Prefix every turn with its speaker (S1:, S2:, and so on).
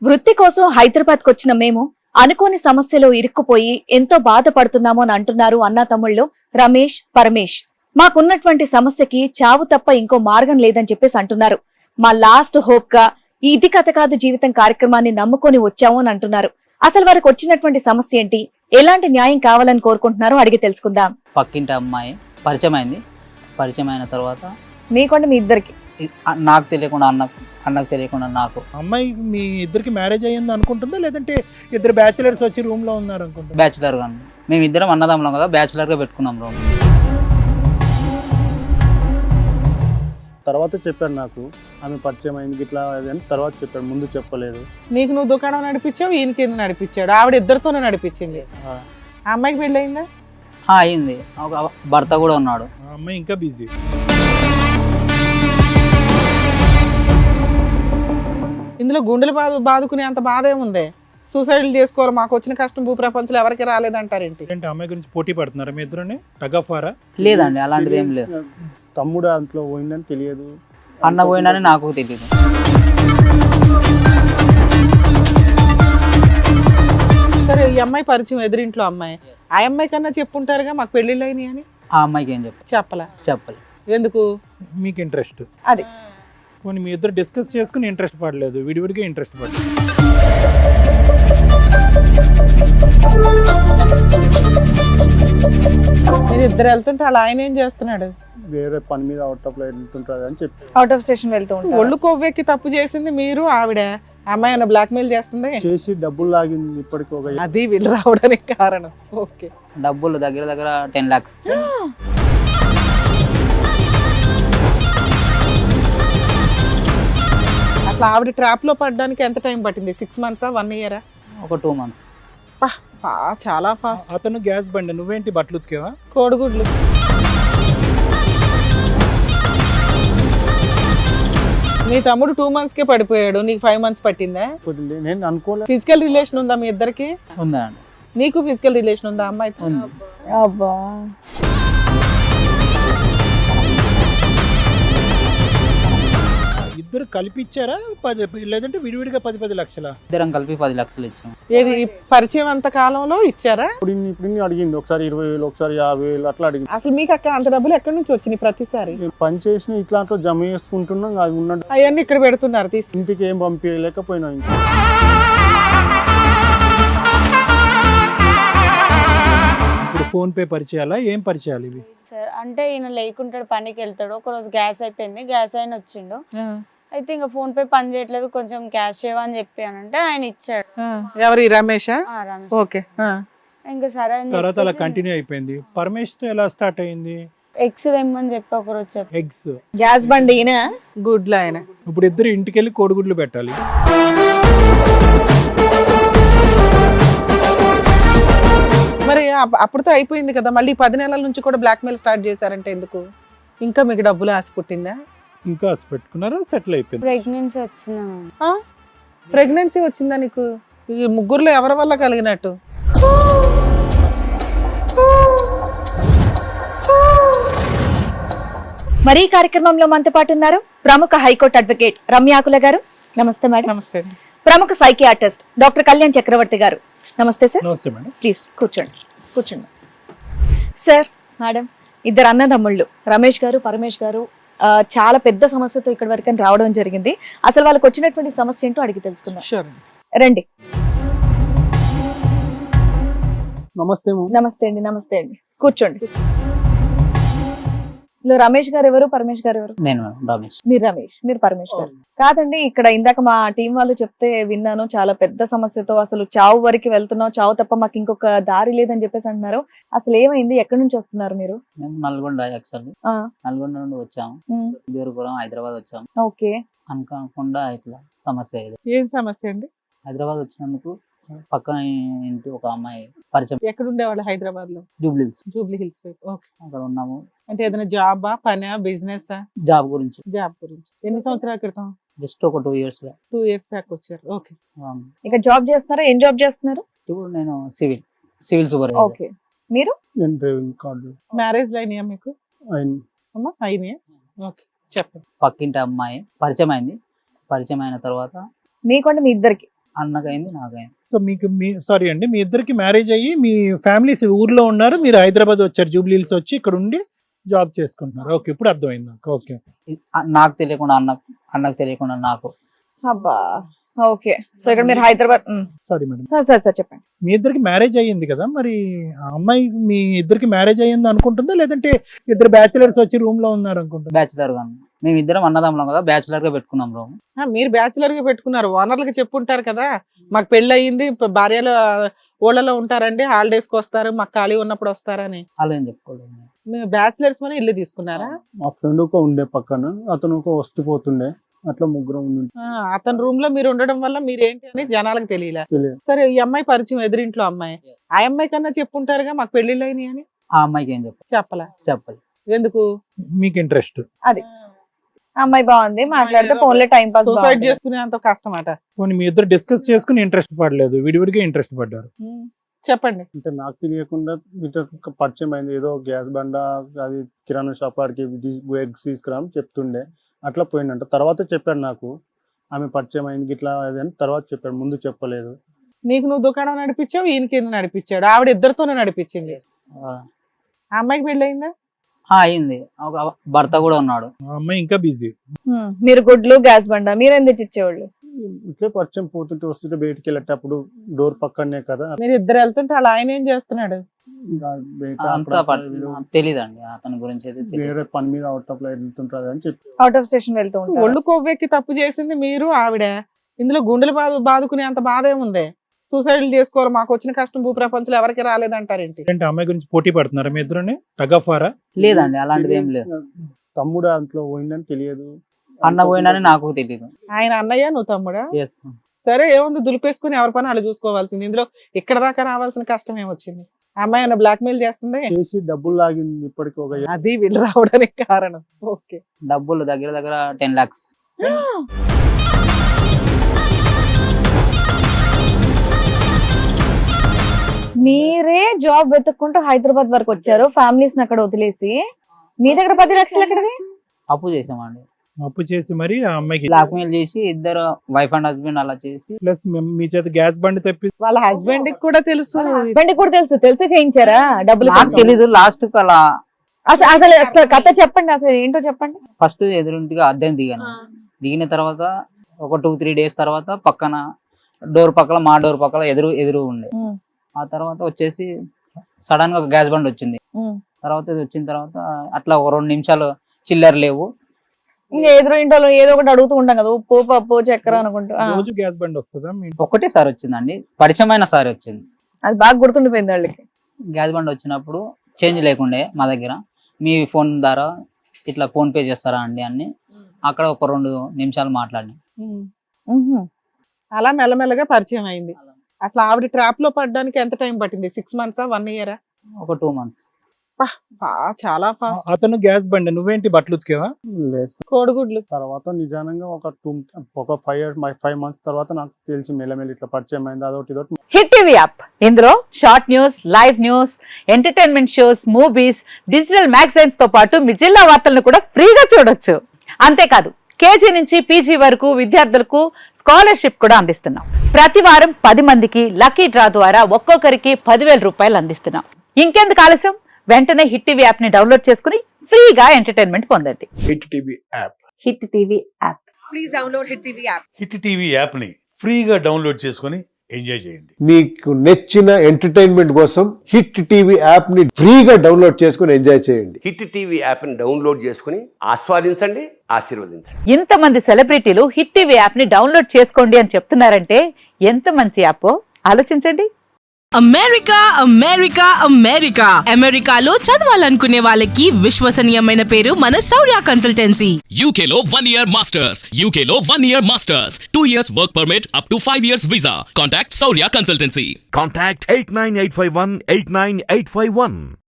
S1: వృత్తి కోసం హైదరాబాద్కు వచ్చిన మేము అనుకోని సమస్యలో ఇరుక్కుపోయి ఎంతో బాధపడుతున్నామో అని అంటున్నారు అన్నా తమ్ముళ్ళు రమేష్, పరమేష్. మాకున్నటువంటి సమస్యకి చావు తప్ప ఇంకో మార్గం లేదని చెప్పేసి అంటున్నారు. మా లాస్ట్ హోప్ గా ఈ ఇది కథ కాదు జీవితం కార్యక్రమాన్ని నమ్ముకొని వచ్చాము అని అంటున్నారు. అసలు వారికి వచ్చినటువంటి సమస్య ఏంటి, ఎలాంటి న్యాయం కావాలని కోరుకుంటున్నారో అడిగి తెలుసుకుందాం.
S2: పక్కింటి అమ్మాయి పరిచయం అయింది. పరిచయం అయిన తర్వాత
S1: మీకుండా మీ ఇద్దరికి
S2: నాకు తెలియకుండా అన్నకు తెలియకుండా నాకు.
S3: అమ్మాయి మీ ఇద్దరికి మ్యారేజ్ అయ్యింది అనుకుంటుందా, లేదంటే ఇద్దరు బ్యాచిలర్స్ వచ్చి రూమ్ లో ఉన్నారు అనుకుంటా?
S2: బ్యాచులర్ గా మేము ఇద్దరం అన్నదమ్ములం కదా, బ్యాచులర్ గా పెట్టుకున్నాం రూమ్.
S4: తర్వాత చెప్పాడు నాకు ఆమె పరిచయం అయింది ఇట్లా అని తర్వాత చెప్పాడు, ముందు చెప్పలేదు.
S5: నీకు నువ్వు దుకాణం నడిపించావు, ఈయనకి నడిపించాడు, ఆవిడ ఇద్దరితోనే నడిపించింది. ఆ అమ్మాయికి పెళ్ళయిందా?
S2: అయింది, ఒక భర్త కూడా ఉన్నాడు.
S3: ఆ అమ్మాయి ఇంకా బిజీ.
S5: ఇందులో గుండెలు బాదుకునే అంత బాధ ఏముంది? సూసైడ్లు చేసుకోవాలి, మాకు వచ్చిన కష్టం భూప్రపంచంలో ఎవరికి రాలేదంటారేంటి?
S3: అంటే అమ్మాయి గురించి పోటీ పడుతున్నారా మీ ఇద్దరుని? టగఫారా?
S2: లేదండి, అలాంటిది ఏం లేదు.
S4: తమ్ముడు అంతలో పోయిందని తెలియదు,
S2: అన్న పోయినని నాకు తెలియదు.
S5: సరే, ఈ అమ్మాయి పరిచయం ఎదురింట్లో అమ్మాయి, ఆ అమ్మాయి కన్నా చెప్పుంటారుగా మాకు పెళ్ళిళ్ళు అయినాయి అని.
S2: ఆ అమ్మాయికి ఏం
S5: చెప్పలే. ఎందుకు?
S3: మీకు ఇంట్రెస్ట్
S1: అది
S3: కొన్ని మీ ఇద్దరు డిస్కస్ చేసుకుని ఇంట్రెస్ట్ పడలేదు, విడివిడిగా ఇంట్రెస్ట్ పడలేదు.
S5: మీరు ఇద్దరు వెళ్తుంటే అలా ఆయన ఏం చేస్తున్నాడు?
S4: వేరే పని మీద అవుట్ ఆఫ్ లైట్ వెళ్తుంటుంది అని చెప్పి
S1: అవుట్ ఆఫ్ స్టేషన్ వెళ్తూ ఉంటారు.
S5: ఒళ్ళు కొవ్వెక్కి తప్పు చేసింది మీరు, ఆవిడ అమ్మాయి అన్న బ్లాక్ మెయిల్ చేస్తుంది
S4: చేసి డబ్బులు లాగింది. ఇప్పటికి ఒక
S5: అది వీళ్ళు రావడానికి కారణం. ఓకే,
S2: డబ్బులు దగ్గర 10 lakhs.
S5: అట్లా ఆవిడ ట్రాప్ లో పడడానికి ఎంత టైం పట్టింది? 6 months 1 year?
S2: ఒక 2 months.
S5: చాలా ఫాస్ట్.
S3: అతను గ్యాస్ బండి, నువ్వేంటి బట్టలు ఉతికేవా?
S5: కోడిగుడ్లు. మీ తమ్ముడు 2 months కే పడిపోయాడు, నీకు 5 months పట్టిందా?
S4: నేను అనుకోలేదు.
S5: ఫిజికల్ రిలేషన్ ఉందా మీ ఇద్దరికి?
S2: ఉందండి.
S5: నీకు ఫిజికల్ రిలేషన్ ఉందా అమ్మాయి?
S2: ఉంది.
S1: అబ్బా,
S3: ఇద్దరు కలిపి ఇచ్చారా, లేదంటే విడివిడిగా 10 లక్షల?
S2: ఇద్దరం కలిపి 10 లక్షలు ఇచ్చాం.
S5: ఏది పరిచయం అంత కాలంలో ఇచ్చారా?
S4: ఇప్పుడు అడిగింది, ఒకసారి 20,000, ఒకసారి 50,000 అట్లా అడిగింది.
S5: అసలు మీకు అక్కడ అంత డబ్బులు ఎక్కడి నుంచి వచ్చినాయి ప్రతిసారి?
S4: నేను పని చేసిన ఇట్లాంట్లో జమ చేసుకుంటున్నాం, అది ఉన్నట్టు
S5: అవన్నీ ఇక్కడ పెడుతున్నారు తీసుకు.
S4: ఇంటికి ఏం పంపించలేకపోయినా. ఇంకా
S3: ఇప్పుడు ఫోన్ పే పరిచయాలా, ఏం పరిచయాలు ఇవి?
S6: సార్ అంటే ఈయన లేకుంటాడు, పనికి వెళ్తాడు. ఒకరోజు గ్యాస్ అయిపోయింది, గ్యాస్ అయిన వచ్చిండు. అయితే ఇంకా ఫోన్ పే పని చేయట్లేదు, కొంచెం క్యాష్ ఇవ్వని చెప్పానంటే ఆయన ఇచ్చాడు.
S5: ఎవరి రమేషా?
S6: రమేష్.
S5: ఓకే.
S6: ఇంకా సరే అని
S3: తర్వాత అలా కంటిన్యూ అయిపోయింది. పరమేష్ తో ఎలా స్టార్ట్ అయింది?
S6: ఎగ్స్ తెమ్మని చెప్పి ఒకరోజు చెప్పి
S3: ఎగ్స్,
S1: గ్యాస్ బండి ఈయన,
S5: గుడ్లు ఆయన.
S3: ఇప్పుడు ఇద్దరు ఇంటికి వెళ్ళి కోడిగుడ్లు పెట్టాలి.
S5: మరి అప్పుడుతో అయిపోయింది కదా, మళ్ళీ 10 నెలల నుంచి కూడా బ్లాక్ మెయిల్ స్టార్ట్ చేశారంటే ఎందుకు? ఇంకా మీకు డబ్బులు ఆశ పుట్టిందా?
S3: ఇంకా పెట్టుకున్నారా, సెటిల్ అయిపోయింది?
S6: ప్రెగ్నెన్సీ వచ్చిందా?
S5: ప్రెగ్నెన్సీ వచ్చిందా నీకు? ఈ ముగ్గురులో ఎవరి వల్ల కలిగినట్టు?
S1: మరి ఈ కార్యక్రమంలో మనతో పాటు ఉన్నారు ప్రముఖ హైకోర్టు అడ్వకేట్ రమ్యాకుల గారు. నమస్తే మేడం.
S5: నమస్తే అండి.
S1: ప్రముఖ సైకియాట్రిస్ట్ డాక్టర్ కళ్యాణ్ చక్రవర్తి గారు. నమస్తే సార్.
S3: నమస్తే మేడం.
S1: ప్లీజ్ కూర్చోండి సార్. మేడం, ఇద్దరు అన్నదమ్ముళ్ళు రమేష్ గారు, పరమేష్ గారు చాలా పెద్ద సమస్యతో ఇక్కడ వరకు రావడం జరిగింది. అసలు వాళ్ళకి వచ్చినటువంటి సమస్య ఏంటో అడిగి తెలుసుకుందాం.
S5: షూర్.
S1: రండి.
S4: నమస్తే
S1: నమస్తే అండి, కూర్చోండి. రమేష్ గారు ఎవరు, పరమేష్ గారు ఎవరు?
S2: నేను రమేష్.
S1: మీరు రమేష్, మీరు పరమేష్ గారు. కాదండి, ఇక్కడ ఇందాక మా టీం వాళ్ళు చెప్తే విన్నాను, చాలా పెద్ద సమస్యతో అసలు చావు వరకు వెళ్తున్నాం, చావు తప్ప మాకు ఇంకొక దారి లేదని చెప్పేసి అంటున్నారు. అసలు ఏమైంది, ఎక్కడి నుంచి వస్తున్నారు మీరు?
S2: మేము నల్గొండ, యాక్చువల్లీ నల్గొండ నుండి వచ్చాము, బీరుపురం హైదరాబాద్ వచ్చాము.
S1: ఓకే.
S2: అనుకోకుండా ఇట్లా సమస్య ఇది.
S5: ఏం సమస్య అండి?
S2: హైదరాబాద్ వచ్చినందుకు పక్కన ఇంటి ఒక అమ్మాయి పరిచయం.
S5: ఎక్కడ ఉండేవాళ్ళు? హైదరాబాద్ లో. జూబ్లీ హిల్స్ వైపు. ఓకే.
S2: అక్కడ ఉన్నాము.
S5: అంటే ఏదైనా జాబా, పనా, బిజినెస్?
S2: జాబ్ గురించి.
S5: ఎన్ని సంవత్సరాల క్రితం?
S2: జస్ట్ ఒక 2 years బ్యాక్.
S5: 2 years బ్యాక్ వచ్చారు. ఓకే.
S1: ఇక్కడ జాబ్ చేస్తున్నారా? ఏం జాబ్ చేస్తున్నారు?
S2: ఇప్పుడు నేను సివిల్ సూపర్వైజర్.
S1: ఓకే. మీరు?
S4: నేను డ్రైవింగ్ కార్డు.
S5: మ్యారేజ్ అయినాయా మీకు? అయినాయా? ఓకే, చెప్పండి.
S2: పక్కింటి అమ్మాయి పరిచయం అయింది. పరిచయం అయిన తర్వాత
S1: మీకంటే మీ ఇద్దరికి
S2: అన్నకైంది నాకైంది.
S3: సో మీకు సారీ అండి, మీ ఇద్దరికి మ్యారేజ్ అయ్యి మీ ఫ్యామిలీస్ ఊర్లో ఉన్నారు, మీరు హైదరాబాద్ వచ్చారు, జూబ్లీ హిల్స్ వచ్చి ఇక్కడ ఉండి జాబ్ చేసుకుంటున్నారు. ఓకే, ఇప్పుడు అర్థమైంది నాకు. ఓకే,
S2: నాకు తెలియకుండా అన్నకు తెలియకుండా నాకు.
S1: అబ్బా ఓకే. సో ఇక్కడ మీరు హైదరాబాద్
S3: సారీ మేడం,
S1: సార్ చెప్పండి.
S3: మీ ఇద్దరికి మ్యారేజ్ అయ్యింది కదా, మరి ఆ అమ్మాయి మీ ఇద్దరికి మ్యారేజ్ అయ్యింది అనుకుంటుందా, లేదంటే ఇద్దరు బ్యాచిలర్స్ వచ్చి రూమ్ లో ఉన్నారు అనుకుంటుందా?
S2: బ్యాచులర్ గా మేము ఇద్దరం అన్నదమ్ములం కదా, బ్యాచులర్ గా పెట్టుకున్నాం రూమ్.
S5: మీరు బ్యాచులర్ గా పెట్టుకున్నారు, ఓనర్లకి చెప్పుంటారు కదా మాకు పెళ్లి అయ్యింది, భార్యలు ఊళ్ళలో ఉంటారండి, హాలిడేస్ కి వస్తారు, మాకు ఖాళీ ఉన్నప్పుడు వస్తారని.
S2: అలా ఏం చెప్పుకోలేదు.
S5: మేము బ్యాచులర్స్ అని ఇల్లు తీసుకున్నారా?
S4: మా ఫ్రెండ్ ఒక ఉండే పక్కన, అతను ఒక వస్తుపోతుండే, అట్లా ముగ్గురం ఉండి
S5: అతని రూమ్ లో మీరు ఉండడం వల్ల మీరేంటి అని జనాలకు తెలియలే.
S4: తెలియదు.
S5: సరే, ఈ అమ్మాయి పరిచయం ఎదురింట్లో అమ్మాయి, ఆ అమ్మాయి కన్నా చెప్పుంటారుగా మాకు పెళ్లిళ్ళు అయినాయి అని.
S2: ఆ అమ్మాయికి ఏం
S5: చెప్పలే.
S2: చెప్పాలి.
S5: ఎందుకు?
S3: మీకు ఇంట్రెస్ట్?
S1: అది అమ్మాయి బాగుంది, మాట్లాడితే ఫోన్ లో టైం పాస్.
S5: సూసైడ్ చేసుకునే అంత కష్టం అట.
S3: పోనీ మీ ఇద్దరు డిస్కస్ చేసుకుని ఇంట్రెస్ట్ పడలేదు, విడివిడిగా ఇంట్రెస్ట్ పడ్డారు.
S5: చెప్పండి.
S4: అంటే నాకు తెలియకుండా వీటితో పరిచయం అయింది, ఏదో గ్యాస్ బండ అది కిరాణా షాప్ ఆడికి ఎగ్స్ తీసుకురాని చెప్తుండే, అట్లా పోయిందంట. తర్వాత చెప్పాడు నాకు, ఆమె పరిచయం అయింది ఇట్లా అని తర్వాత చెప్పాడు, ముందు చెప్పలేదు.
S5: నీకు నువ్వు దుకాణం నడిపించావు, ఈయనకి నడిపించాడు, ఆవిడ ఇద్దరితోనే నడిపించింది. ఆ అమ్మాయికి పెళ్లి అయిందా?
S2: అయింది, ఒక భర్త కూడా ఉన్నాడు.
S3: ఆ అమ్మాయి ఇంకా బిజీ.
S1: మీరు గుడ్లు గ్యాస్ బండ మీరేం తెచ్చి ఇచ్చేవాళ్ళు?
S4: ఇట్లే పరిచయం పోతుంటే వస్తుంటే బయటికి వెళ్ళేటప్పుడు డోర్ పక్కనే కదా,
S5: మీరు ఇద్దరు వెళ్తుంటే అలా ఆయన ఏం చేస్తున్నాడు?
S2: అంతా తెలీదండి అతని గురించి అయితే.
S4: వేరే పని మీద అవుట్ ఆఫ్ లైట్ వెళ్తుంటారు అని చెప్పి
S1: అవుట్ ఆఫ్ స్టేషన్ వెళ్తూ ఉంటారు.
S5: ఒళ్ళు కొవ్వెక్కి తప్పు చేసింది మీరు, ఆవిడ. ఇందులో గుండెలు బాదుకునే అంత బాధ ఏముంది? సూసైడ్ చేసుకోవాలి, మాకు వచ్చిన కష్టం భూప్రపంచంలో ఎవరికి రాలేదంటారేంటి?
S3: అంటే అమ్మాయి గురించి పోటీ పడుతున్నారా మీ ఇద్దరుని? టగఫారా?
S2: లేదండి, అలాంటిది ఏం లేదు.
S4: తమ్ముడు దాంట్లో పోయిందని తెలియదు,
S2: అన్న పోయినని నాకు తెలియదు.
S5: ఆయన అన్నయ్య, నువ్వు తమ్ముడా?
S2: Yes.
S5: సరే, ఏముంది, దులిపేసుకుని ఎవరి పని వాళ్ళు చూసుకోవాల్సింది. ఇందులో ఇక్కడ దాకా రావాల్సిన కష్టం ఏమొచ్చింది? అమ్మాయి అన్న బ్లాక్ మెయిల్ చేస్తుంది,
S4: చేసి డబ్బులు లాగింది ఇప్పటికి ఒక
S5: అది వీళ్ళు రావడానికి కారణం. ఓకే,
S2: డబ్బులు దగ్గర 10 lakhs.
S1: మీరే జాబ్ వెతుక్కుంటూ హైదరాబాద్ వరకు వచ్చారు, ఫ్యామిలీస్ అక్కడ వదిలేసి. మీ దగ్గర 10 లక్షలు ఎక్కడది?
S2: అప్పు చేసామండి.
S3: అప్పు చేసి మరి ఆ అమ్మాయికి
S2: బ్లాక్ మెయిల్ చేసి ఇద్దరు వైఫ్ అండ్ హస్బెండ్ అలా చేసి,
S3: ప్లస్ మీ చేత గ్యాస్ బండి తెప్పి
S5: వాళ్ళ హస్బెండ్ కి కూడా తెలుసు.
S1: హస్బెండ్ కూడా తెలిసి చేయించారా డబ్బులు?
S2: నాకు తెలీదు. లాస్ట్ కు అలా
S1: అసలు కథ చెప్పండి, అసలు ఏంటో చెప్పండి.
S2: ఫస్ట్ ఎదురింటిగా అద్దెం దిగిన తర్వాత ఒక 2-3 days తర్వాత పక్కన డోర్ పక్కల, మా డోర్ పక్కల ఎదురు ఉండే. ఆ తర్వాత వచ్చేసి సడన్ గా ఒక గ్యాస్ బండ్ వచ్చింది. తర్వాత ఇది వచ్చిన తర్వాత అట్లా ఒక 2 నిమిషాలు చిల్లర లేవు,
S1: ఇంకా ఎదురు ఇంట్లో ఏదో ఒకటి అడుగుతూ ఉంటాం కదా, ఉప్పు పప్పు చక్కెర అనుకుంటూ.
S3: రోజు గ్యాస్ బండి వస్తుందా?
S2: ఒకటే సారి వచ్చిందండి, పరిచయమైన సారి వచ్చింది.
S1: అది బాగా గుర్తుండిపోయింది వాళ్ళకి.
S2: గ్యాస్ బండ్ వచ్చినప్పుడు చేంజ్ లేకుండే మా దగ్గర, మీ ఫోన్ ద్వారా ఇట్లా ఫోన్ పే చేస్తారా అండి అని అక్కడ ఒక 2 నిమిషాలు మాట్లాడి
S5: అలా మెల్లమెల్లగా పరిచయం అయింది. అసలు ఆవిడ ట్రాప్ లో పడడానికి ఎంత టైం పట్టింది? 6 months, 1 year?
S2: ఒక 2 months.
S5: చాలా ఫాస్ట్.
S3: అతను గ్యాస్ బండి, నువ్వేంటి బట్టలు ఉతికేవా?
S4: లెస్.
S5: కోడిగుడ్లు.
S4: తర్వాత నిజానంగా ఒక 5 months తర్వాత నాకు తెలిసి మెల్లమెల్లి ఇట్లా పరిచయం అయింది, అదొకటి ఇదొకటి.
S7: హిట్ టీవీ యాప్, ఇందులో short news, live news, entertainment shows, movies, digital magazines తో పాటు మీ జిల్లా వార్తలను కూడా ఫ్రీగా చూడొచ్చు. అంతేకాదు, KG నుంచి PG వరకు విద్యార్థులకు స్కాలర్షిప్ కూడా అందిస్తున్నాం. ప్రతి వారం 10 మందికి లక్కీ డ్రా ద్వారా ఒక్కొక్కరికి 10,000 రూపాయలు అందిస్తున్నాం. ఇంకెందుకు ఆలస్యం, వెంటనే హిట్ టీవీ యాప్ ని డౌన్లోడ్ చేసుకుని ఫ్రీగా ఎంటర్టైన్మెంట్ పొందండి.
S8: Hit TV app.
S7: Hit TV app.
S9: Please download Hit TV app.
S8: Hit TV app ని ఫ్రీగా డౌన్లోడ్ చేసుకొని ఎంజాయ్ చేయండి.
S10: మీకు నచ్చిన ఎంటర్టైన్మెంట్ కోసం హిట్ టీవీ యాప్ ని ఫ్రీగా డౌన్లోడ్ చేసుకుని ఎంజాయ్ చేయండి.
S11: హిట్ టీవీ యాప్ ని డౌన్లోడ్ చేసుకుని ఆస్వాదించండి, ఆశీర్వదించండి.
S7: ఇంతమంది సెలబ్రిటీలు హిట్ టీవీ యాప్ ని డౌన్లోడ్ చేసుకోండి అని చెప్తున్నారంటే ఎంత మంచి యాప్ ఆలోచించండి.
S9: అమెరికా అమెరికా అమెరికా అమెరికాలో చదవాలనుకునే వాళ్ళకి విశ్వసనీయమైన పేరు మన శౌర్య కన్సల్టెన్సీ.
S12: UK లో 1 year masters, UK లో 1 year masters, 2 years work permit up to 5 years visa. Contact Saurya Consultancy.
S13: Contact 89851 89851.